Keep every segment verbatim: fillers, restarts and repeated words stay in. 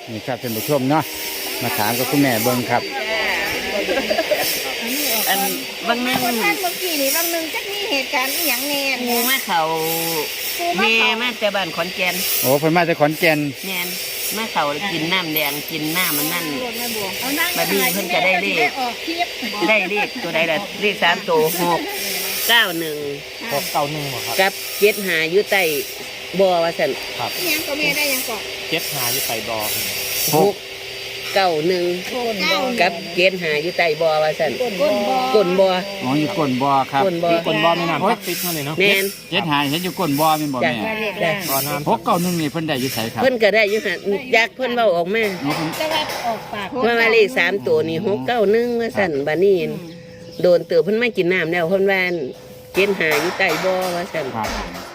นี่ครับท่านผู้ชมเนาะมาถามกับคุณแม่เบิ้งครับอันบางนึงท่านเมื่อกี้นี่บางนึงจักมีเหตุการณ์อหย่างแน่งูมาเขาแม่มาแต่บ้านขอนแก่นโอ้เพิ่นมาจากขอนแก่นแม่นมาเขากินน้ำแดงกินน้ำมันนั่นเอานั่งบัดนี้เพิ่นก็ได้เลขออกคลิปได้เลขตัวใดล่ะเลขสามตัวหกเก้าหนึ่งหกเก้าหนึ่งครับกับเจ็ดหาอยู่ใต้บ่อว่าซั่นครับอิหยังก็แม่ได้ยังก่อนเจ็ดหาอยู่ใส่บอหกเก้าหนึ่งเก้ากับเจ็ดหาอยู่ใต้บ่อว่าซั่นก้นบ่ก้นบ่ออ๋ออยู่ก้นบ่อครับก้นบ่อคนบอไม่นำพักติดมาเลยเนาะแม่นเจ็ดหายเห็นอยู่ก้นบ่อแม่นบ่จ้ะแม่ได้บอน้ำหกเก้าหนึ่งนี่เพิ่นได้อยู่ไสครับเพิ่นก็ได้อยู่หั่นอยากเพิ่นเว้าออกมาอ๋อเพิ่นจะว่าออกปากว่ามาเลขสามตัวนี่หกเก้าหนึ่งว่าสั่นบานี่โดนเตือเพิ่นไม่กินน้ำแล้วเพิ่นว่าเกณฑ์หาอยู่ใต้บ่อว่าสั่นครับ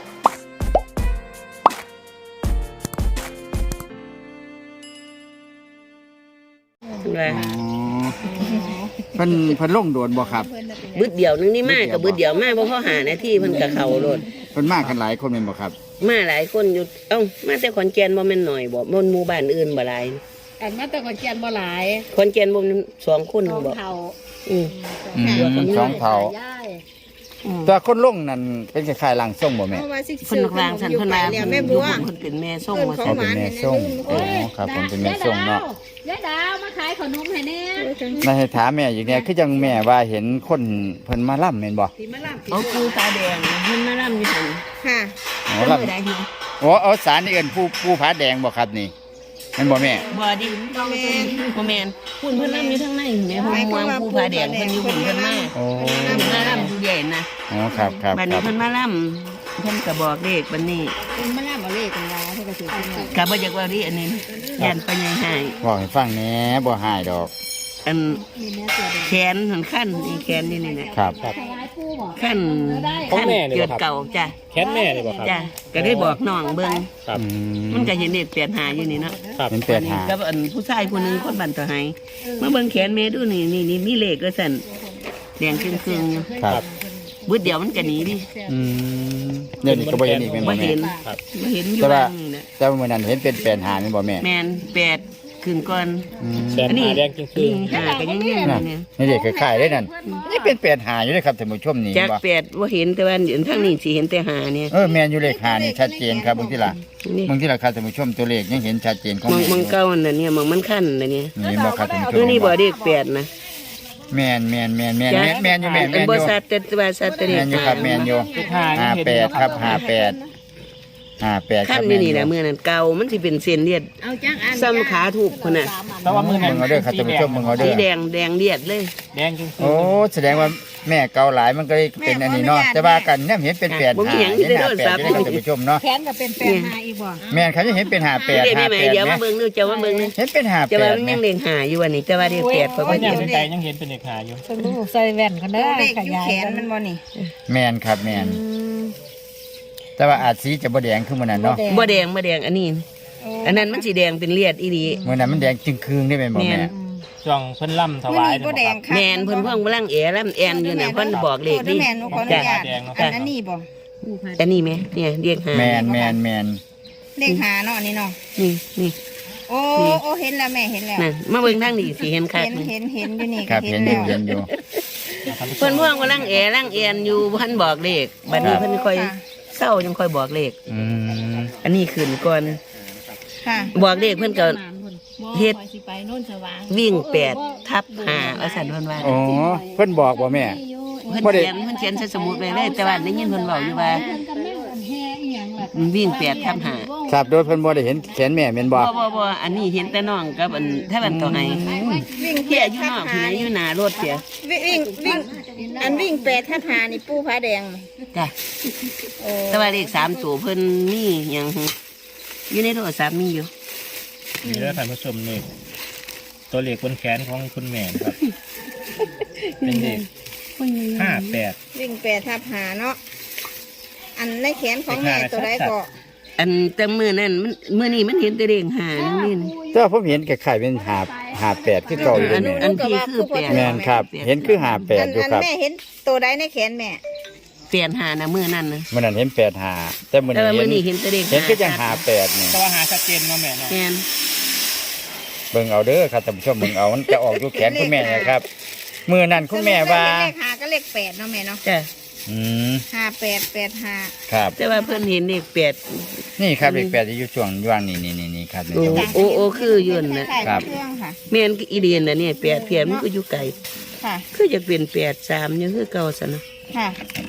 ว่าอ๋อเพิ่นเพิ่นลงโดนบ่ครับบึดเดียวนึงนี่มากับบึดเดียวมาบ่พอหานาทีเพิ่นก็เข้าโลดเพิ่นมากันหลายคนแม่นบ่ครับมาหลายคนอยู่เอ้ามาแต่ขอนแก่นบ่แม่นหน่อยบ่บ่หมู่บ้านอื่นบ่หลายอันมาแต่ก่อนเกียนบ่หลายขอนแก่นบ่มีสองคนสองบ่เท่าอืออืมสองเท่าย่ายแต่คนลงนั่นเป็นคล้ายๆร่างทรงบ่แม่เพราะว่าสิเพิ่นวางสั่นเพิ่นว่าแล้วเพิ่แม่นบัวเพิ่นเป็นแม่ส่งว่าเขาซั่นเป็นแม่ส่งอ๋อครับผมเป็นแม่ส่งเนาะยายดาวมาขายขนมให้แน่นายให้ถามแม่อย่างเนี้ยคือจังแม่ว่าเห็นคนเพิ่นมาล่ำแม่นบ่ที่มาล่ำเอาปูตาแดงเพิ่นมาล่ำอยู่หั่นค่ะอ๋อเพิ่นล่บ่ได้อยู่ำอ๋อเอาสารนี่เอิ้นผู้ผู้ผาแดงบ่ครับนี่แม่นบ่แม่บ่ดิบ่แม่นบ่แม่นพุ่นเพิ่นล่ำอยู่ทางในแม่ห้องมวงปูผาแดงเพิ่นอยู่หุ่นเพิ่นมาโอ้เพิ่นมาล่ำอยู่ใหญ่นะอ๋อครับครับบัดคนี้รับเพิ่นมาล่ำเพิ่นก็บอกเลขบัดนี้เป็นมาล่ำเอาเลขกันว่าเพิ่นก็สิเป็นว่าก็บ่อยากเว่าดิอันนี้ย่านไปใหญ่ให้บอกให้ฟังแหน่บ่หายดอกอันมีแม่เสือแดงแขนหันขั้นนี่แขนนี่นี่นะครับขายผู้บ่ขั้นของขั้นแม่นี่เกิบ่ดครับเก่าจ้ะแค้นแม่เลยบ่ครับจ้ะก็ได้บอกน้องเบิ่งครับอืมมันก็เห็นเลขเปลี่ยนหาอยู่นี่เนาะครับเป็นแปดหากับอันผู้ชายคนหนึงคนบันต่อให้มาเบิ่งแขนแม่ดูนี่นี่นี่มีเลขก็สั่นแดงครึ่งๆอยู่ครับบึดเดียวมันก็หนีดิอืมเดี๋ยวนี้ก็บ่เห็นอีกแม่นบ่บ่แม่เห็นครับบ่เห็นอยู่แต่ว่าว่างนี่นะแต่ว่ามื้อนั้นเห็นเป็นแปดหาแม่นบ่แม่แม่นแปดครึ่งก่อนอืมแสนหาแดงจริงคืนี่อหาก็ยังอยู่นั่นเนี่ยนี่เด็กคล้ายๆเด้นั่นนี่เป็นแปดหาอยู่เด้ครับท่านผู้ชมนี่จากบ่แปดว่าเห็นแต่ว่าเดี๋ยวทางนี้สิเห็นแต่หาเนี่ยเออแม่นอยู่เลขหานี่ชัดเจนครับบางทีล่ะนี่บางทีล่ะครับท่านผู้ชมตัวเลขยังเห็นชัดเจนของมองแม่มองเก้าอันน่ะเนี่ยมองมันขั้นน่ะเนี่ยนี่บ่ครับท่านผู้ชตัวมนี้บ่เด็กแปดนะแม่นแม่นแม่นแม่นแม่นแม่นอยู่แม่นอัแม่นนบ่อยู่สัตว์แต่ว่าสัตว์แต่เด็แม่กนอยู่ครับแม่นอยู่ห้าห้าแปดครับห้าแปดห้าแปดคขั้รันบนี่แม่นอนี่ยู่แหละมื้อนั้นเก่ามันสิเป็นเส้นเลือดเอาจังอันซ้ำขาถูกพุ่นน่ะแต่ว่ามือมึงเอาเด้อครับท่านผู้ชมมึงเอาเด้สีอแดงแดงเลือดเลยแดงจริงคืโอ้แสดงว่าแม่เกาหลายมันก็เลยเป็นอันนี้เนาะแต่ว่ากันเนี่ยเห็นเป็นแปดบ่มีหาหยังเห็นได้หาโดนแปดซับได้ครับท่านผู้ชมเนาะแขนก็เป็นแปดมาอีกบ่แม่นเขาจะเห็นเป็นหาแปดเดี๋ยวหาได้ไหมแปดเดี๋ยวไหมมาเบิ่งดูเจ้ามาเบิ่งนึเห็นเป็นหาจะแปว่าดมันไหมยังเล็งหาอยู่วันนี้แต่ว่าเด็กแปดก็บ่เนี่เห็ยนใจยังเห็นเป็นเด็กหาอยู่สมุใส่แว่นกันเด้อเลขอยู่แขนมันบ่นี่แม่นครับแม่นแต่ว่าอาจสีจะบ่แดงขึ้นมันนั้นเนาะบ่แดงบ่แดงอันนี้ อันนั้นมันสีแดงเป็นเลือดอีหลีมันนั้นมันแดงจึงคืนได้ไหมบ่แม่แม่นช่วงเพิ่นล่ำถมื้อวายนี้บ่แดงค่ะแม่นเพิ่นเพิ่งกำลังแอล่ำแอนอยู่น่ะเพิ่นบอกเลขดิแม่นหนูขออนุญาตอันอันนี้บ่อันนี้ไหมเนี่ยเรียกหาแม่นแม่นแม่นเลขหาเนาะนี่เนาะนี่นี่โอ้โอ้เห็นแล้วแม่เห็นแล้วนั่นมาเบิ่งทางนี้สิเห็นคักเห็นนี่เห็นเห็นอยู่นี่ครับก็เห็นอแล้ยู่วเห็นอยู่เพิ่นพ่วงกำลังแอล่างแอนอยู่เพิ่นบอกเลขบัดนี้เพิ่นค่อยเศร้าจังค่อยบอกเลขอืมอันนี้ขึ้นก่อนค่ะบอกเลขเพิ่นก็เฮ็ดสิไปโน่นสว่างวิ่งแปดทับห้าว่าซั่นเพิ่นว่าอ๋อเพิ่นบอกบ่แม่เพิ่นบ่ได้เขียนเพิ่นเขียนใส่สมุดไว้เลยแต่ว่าได้ยินเพิ่นเว้าอยู่ว่าวิ่งแปดทับห้าครับโดยเพิ่นบ่ได้เห็นแขนแม่แม่นบ่บ่บ่บ่อันนี้เห็นแต่น้องกับอันถ้ามันต่อให้วิ่งเที่ยอยู่นอกพี่อยู่หน้ารถเสียวิ่งวิ่งอันวิ่งแปดทับหานี่ปูผาแดงจ้ะโอ้แต่ว่าเลขสามตัวเพิ่นมีหยังอยู่ในโทรศัพท์มีอยู่นี่แล้วท่านผู้ชมนี่ตัวเลขบนแขนของคุณแม่นะครับเป็นเลขห้าแปดวิ่งแปดทับหาเนาะอันในแขนของแม่ตัวใดก็อันแต่มื้อนั้นมันมื้อนี้มันเห็นแต่เลขห้านั่นนี่แต่ว่าผมเห็นคล้ายๆเป็นหาหาแปดคือเก่าอยู่อันแม่อันที่คือแปดแม่นครับ เห็นคือหาแปอัดนอยู่อันครับแม่เห็นตัวใดในแขนแม่เปลี่ยนหานะมื้อนั้นนะมื้อนั้นเห็นแปดหาแต่มื้อแต่ว่ามื้อนี้นี้เห็นแต่เลขเห็นคือจังหาแปดนี่แต่ว่าหาชัดเจนเนาะแม่เนาะแม่นเบิ่งเอาเด้อครับท่านผู้ชมเบิ่งเอามันจะออกอยู่แขนคุณแม่นะครับมือนั่นคุณแม่ว่าเลขห้าก็เลขแปดเนาะแม่เนาะจ้ะอืมห้าแปดแปดห้าครับแต่ว่าเพิ่นเห็นเลขแปดนี่ครับเลขแปดที่อยู่ช่วงยวางนี่นี่นี่นี่ครับนี่โอ้ครับโอ้โอ้คืออยู่นั่นน่ะครับเครื่องค่ะแม่นอีเดียนน่ะเนี่ยแปดเพียนมันก็อยู่ไกลค่ะคือจะเป็นแปดสามยังคือเก่าซะนะค่ะ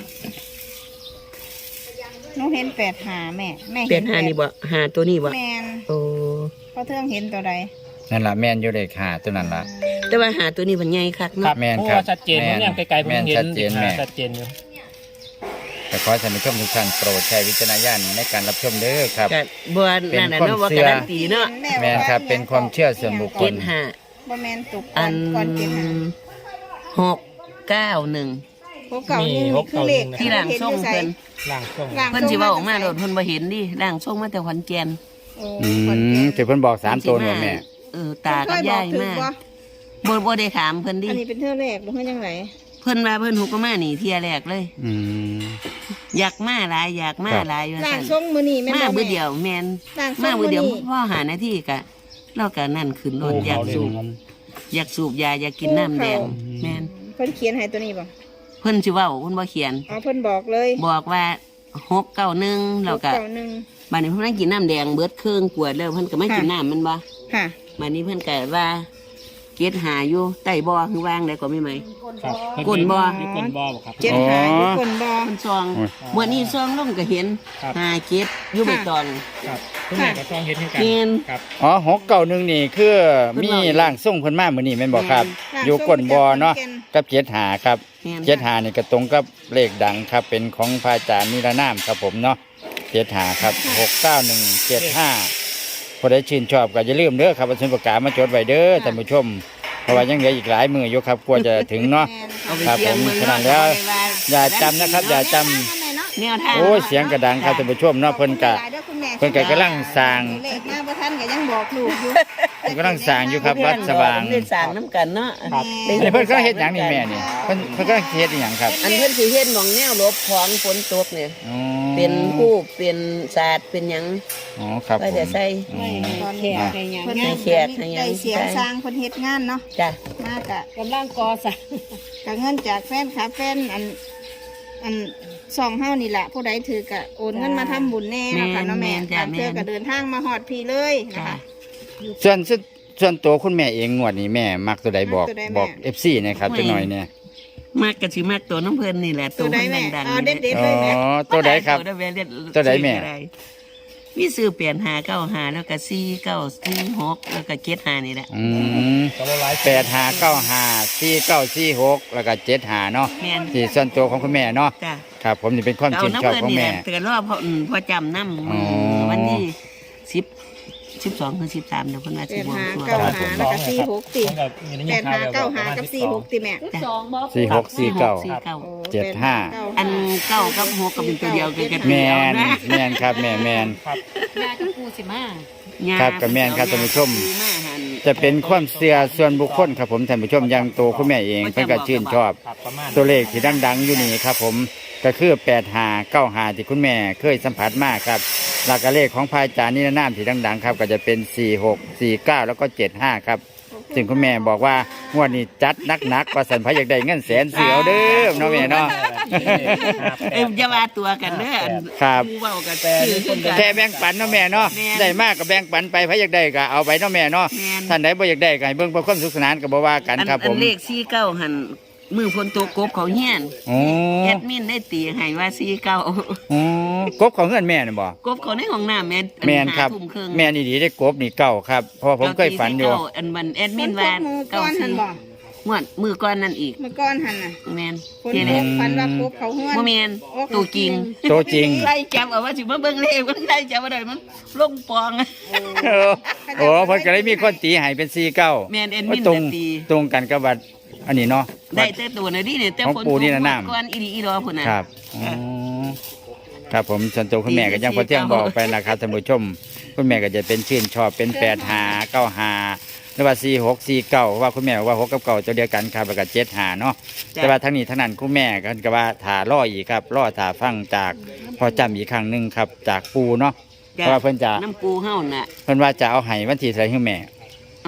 หนูเห็นแปดหาแม่แม่แปดห้านี่บ่หาตัวนี้บ่แมนโอ้เพราะเทืองเห็นตัวใดนั่นล่ะแม่นอยู่เลขห้าตัวนั้นล่ะแต่ว่าหาตัวนี้มันใหญ่คักครัเนาะบแม่นเพราะครับว่าชัดเจนแม่ผมนเนี่ยไกลๆผมแม่นเห็ชันดเจนแม่ชัดเจนอยู่แต่ขอให้ท่านผู้ชมทุกท่านโปรดใช้วิจารณญาณในการรับชมเด้อครับก็บ่นั่นน่ะเนาะว่าการันตีเนาะแม่นครับเป็นความเชื่อส่วนบุคคเจ็ลดห้าบ่แมนตุกอันก่อนเจ็ดหาหกเก้าหนึ่งพวกเก่านี่มีพวกคือเก่าเลขนี่ที่ร่างทรงเพิ่นล่างช่วงร่างเพิ่นสิเว้าออกมาโดดเพิ่นบ่เห็นดิร่างทรงมาแต่ขอนแก่นโอ้อืขอนมแก่นถือเพิ่นบอกสามตัวหนูแม่เออตากับยายมาเพิ่นเคยบอกถึงบ่บ่บ่ได้ถามเพิ่นดิอันนี้เป็นเท่าแรกหรือเพิ่นยังไงเพิ่นว่าเพิ่นหุกก็มานี่เที่ยแรกเลยอืมอยากมาหลายอยากมาครับหลายว่าร่างซั่นทรงมื้อนี้แม่นมาบ่เบื่แม่อเดียวแมนร่างทรมาง เบื่มื้ออเดียวนี้พ่อหาหน้าที่กะเรากะนั่นขึ้นรถอยากสูบอยากสูบยาอยากกินน้ำแดงแมนเพิ่นเขียนให้ตัวนี้บ่เพิ่นสิเว้าเพิ่นบ่เขียนอ๋อเพิ่นบอกเลยบอกว่าหกเก้าหนึ่งเรากะเก่าหนึ่งบัดนี้เพิ่นนั่งกินน้ำแดงเบิดเครื่องกวดแล้วเพิ่นก็ไม่ค่ะกินน้ำมันบ่ค่ะบัดนี้เพิ่นก็ว่าเก็ดหาอยู่ใต้บ่อคือวางได้ก็ไม่ไหมครับก้นบ่มีก้นบ่บ่ครับเจ็ดหาอยู่คนบ่เพิ่นซองโอ้ยมื้อนี้ซองลงก็เห็นครับหาเก็ดอยู่ใบตองครับคุณแม่ก็ต้องเห็นให้กันเห็นครับอ๋อหกเก้าหนึ่งนี่คือเพิ่นมีบอกร่างทรงเพิ่นมามื้อนี้แม่นบ่ครับร่างอยู่ก้นบ่อเนาะทรงกับเจ็ดหาครับแม่นเจ็ดหานี่ก็ตรงกับเลขดังครับ เป็นของพระอาจารย์นิรนามครับผมเนาะเจ็ดหาครับหกเก้าหนึ่งเจ็ดห้าผู้ใดชื่นชอบก็อย่าลืมเด้อครับเอาสมุดปากกามาจดไว้เด้อท่านผู้ชมเพราะว่ายังเหลืออีกหลายมืออยู่ครับกว่าจะถึงเนาะเอาไปครับเสียงผมเมืองฉะนั้นเนาะแล้วเอาไปว่าอย่าจำนะครับ อย่าจำแนวทางโอ้ยเสียงกระดังครับท่านผู้ชมเนาะเพิ่นกะ เพิ่นก็กำลังสร้างเลขมาบ่ทันก็ยังบอกลูกอยู่เพิ่นกำลังสร้างอยู่ครับวัดสว่างเล่นสร้างน้ำกันเนาะครับอันนี้เพิ่นก็เฮ็ดหยังนี่แม่นี่เพิ่นเพิ่นก็เฮ็ดอีหยังครับอันเพิ่นสิเฮ็ดหมองแนวหลบของฝนตกเนี่ยอ๋อเป็นรูปเป็นศาสตร์เป็นหยังอ๋อครับก็ผมจะใส่อ๋อตอนแขกให้หยังเพิ่นให้แขกให้หยังได้เสียงสร้างเพิ่นเฮ็ดงานเนาะจ้ะมากะกำลังก่อสร้างกะเงินจากแฟนคลับแฟนอันอันสองเฮานี่แหละผู้ใดถือกะโอนเงินมาทำบุญแน่เนาะค่ะเนาะแม่แม่นจ้ะเพื่อแม่นก็เดินทางมาฮอดพี่เลยนะจ้ะคะส่วนส่วนส่วนตัวคุณแม่เองงวดนี้แม่มักตัวใดบอกมักตัวใดแม่บอก เอฟ ซี นะครับจักหน่อยเนี่ยมากก็สิมากตัวน้ำเพิ่นนี่แหละตัวใดเพิ่นแม่ดังๆเอานี่เด็ดแหละๆเลยแม่อ๋อตัวใดครับตัวใดแม่เรียกตัวใดแม่ชื่ออะไรมีซื้อเปลี่ยนหาเก้าหาแล้วก็สี่เก้าสี่หกแล้วก็เจ็ดหานี่แหละอืมก็ละลายแปดหาเก้าหาสี่เก้าสี่หกแล้วก็เจ็ดหาเนาะแม่นที่ส่วนตัวของคุณแม่เนาะจ้ะครับผมนี่เป็นความเอาชื่นน้ำชอบเพิ่นของนี่แหแม่ละเตือนรอบพออืมพอจำน้ำอ๋อวันที่สิบสิบสองถึงสิบสามเดี๋ยวเพิ่นว่าแปสิดบวงหาตัวเก้าหาแล้วก็สี่หกติผมกับมีได้ยิแปนดข่าหาวแบบเก้าหากับสี่หกติแม่ทุกสองบ่สี่หกสี่เก้าสี่เก้าโอ้เจ็ดห้าแปห้อันเก้ากับหกก็เป็นตัวเดียวกันกันแมเดียวน นะแมนครับแม่แมนครับยากับปูสิมาครับกับแม่นครับท่านผู้ชมมาหันจะเป็นความเชื่อส่วนบุคคลครับผมท่านผู้ชมอยังตัวคุณแม่เองเพิ่นก็ชื่นชอบครับประมาณตัวเลขที่ดังๆอยู่นี่ครับผมก็คือแปดหาเก้าหาที่คุณแม่เคยสัมผัสมากครับหลักเลขของพระอาจารย์นิรนามที่ดังๆครับก็จะเป็นสี่หกสี่เก้าแล้วก็เจ็ดห้าครับซึ่งคุณแม่บอกว่างวดนี้จัดหนักๆว่าสันพระอยากได้เงินแสนเสียวเด้อเนาะแม่เนาะเอ็มจะมาตัวกันเด้ออันครับผู้เว้ากันชื่อขึ้นกันแค่แบ่งปันเนาะแม่เนาะแม่นได้มากก็แบ่งปันไปพระอยากได้ก็เอาไปเนาะแม่เนาะแม่นท่านใดบ่อยากได้ก็ให้เบิ่งเพื่อความสุขสนานก็บ่ว่ากันอันครับอัผนมเลขสี่เก้าหันมือพนตัวกบเขาเฮียนโอ้แอดมินได้ตีให้ว่าสี่เก้าโอ้กบของเงินแม่น่ะบ่กบเขาในห้องน้ำแม่นแม่นครับห้าทุ่มครึ่งแม่นี่ดีได้กบนี่เก่าครับเพราะว่าผมเคยฝันอยู่เก้าอันมันแอดมินฝว่าตกมือเก้าก้อนหัสี่นบ่งวดมือก้อนนั่นอีกเมื่อก้อนหันน่ะแม่นคนเจพเล็บฟันว่าพบเขาห้วนบ่แม่นตัวจริงโตจริงไล่จับเอาว่าสิมาเบิ่งเลขมันไล่จับบ่ได้มันลงปองโอ้โอ้เพิ่นก็เลยมีคนตีให้เป็นสี่เก้าแม่นแอดมินตรงน่ะตีตรงกันกับวัดอันนี้เนาะได้แต่ตัวน่ะดิเนี่ยแต่ของฝนปู่นี่น่ะตกน้ำก้อนอีดีอีรอพุ่นน่ะครับอ๋อครับผมส่วนตัวคุณแม่ก็ยังพอเที่ยงบอกไปนะครับท่านผู้ชมคุณแม่ก็จะเป็นชื่นชอบเป็นแปดหาเก้าหาหรือว่าสี่หกสี่เก้าว่าคุณแม่บอกว่าหกกับเก้าตัวเดียวกันครับแล้วก็เจ็ดหาเนาะแต่ว่าทั้งนี้ทั้งนั้นคุณแม่ก็ก็ว่าถ่าล่ออีกครับล่อถ่าฟังจากพอจำอีกครั้งหนึ่งครับจากปูเนาะเพราะว่าเพิ่นจะน้ำปูเฮาน่ะเพิ่นว่าจะเอาให้วันที่เท่าไหร่ให้แม่เอ้า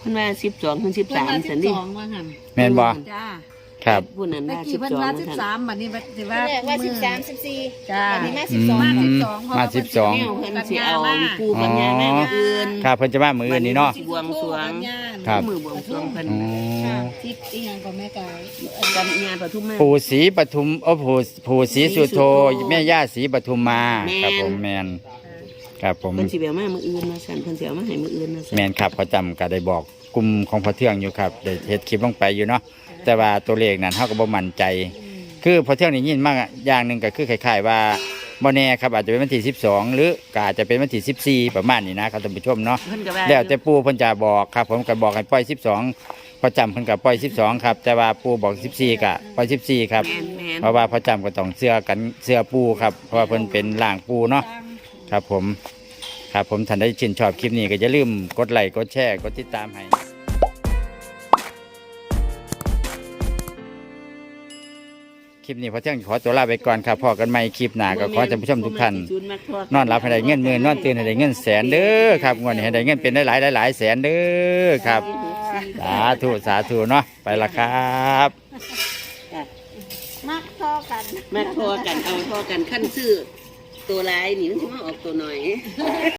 เพิ่นว่าสิบสองถึงสิบเพิ่นสามว่าสิซั่บนดิสองว่าหั่นแม่นบ่จ้าครับผู้นั้นเมื่อว่ากี้สิบเพิ่นสองว่าว่าสิบซั่นสามบัดนี้สิว่าแรกว่าสิบสามสิบสี่จ้าวันนี้มาอืสิบสองมมาสิบสองเพราะมาว่าสิบสองแนวเพิ่นสิเอาปู่ปัญญาแม่มาอื่นครับเพิ่นจะมามื้อนี้เนาะบวงสรวงครับมือบวงสรวงเพิ่นอ๋อทิพย์อีหยังก็แม่กายกันญาปทุมมาปู่ศรีปทุมโอ้ปู่ปู่ศรีสุโธศรีสุโธแม่ย่าศรีปทุมมาแม่นครับผมแม่นครับผมเพิ่นสิเอามามื้ออื่นว่าซั่นเพิ่นสิเอามาให้มื้ออื่นว่าซั่นแม่นครับเขาจำก็ได้บอกกลุ่มของพอเทืองอยู่ครับได้เฮ็ดคลิปลงไปอยู่เนาะแต่ว่าตัวเลขนั้นเฮาก็บ่มั่นใจ คือพอเที่ยงนี่ยินมากอย่างหนึ่งก็คือคล้ายๆว่าบ่แน่ครับอาจจะเป็นวันที่สิบสองหรือก็อาจจะเป็นวันที่สิบสี่ประมาณนี้นะครับท่านผู้ชมเนาะเพิ่นก็ว่าแล้วแต่ปู่เพิ่นจะบอกครับผมก็บอกให้ปล่อยสิบสองพอจำเพิ่นก็ปล่อยสิบสองครับแต่ว่าปู่บอกสิบสี่ก็ปล่อยสิบสี่ครับแม่นแม่นเพราะว่าพอจำก็ต้องเสื้อกันเสื้อปู่ครับเพราะว่าเพิ่นเป็นร่างปู่เนาะครับผมครับผมท่านได้ชื่นชอบคลิปนี้ก็อย่าลืมกดไลค์กดแชร์กดติดตามให้คลิปนี้พอเที่ยงขอตัวลาไปก่อนครับพอกันใหม่คลิปหน้าก็ขอให้ท่านผู้ชมทุกท่านนอนหลับให้ได้เงินหมื่นนอนตื่นให้ได้เงินแสนเด้อครับงวดนี้ให้ได้เงินเป็นหลายๆหลายๆแสนเด้อครับสาธุสาธุเนาะไปละครับมักทอกันมาทอกันเอาทอกันขั้นซื้อตัวลายนี่มันสิมาออกตัวหน่อย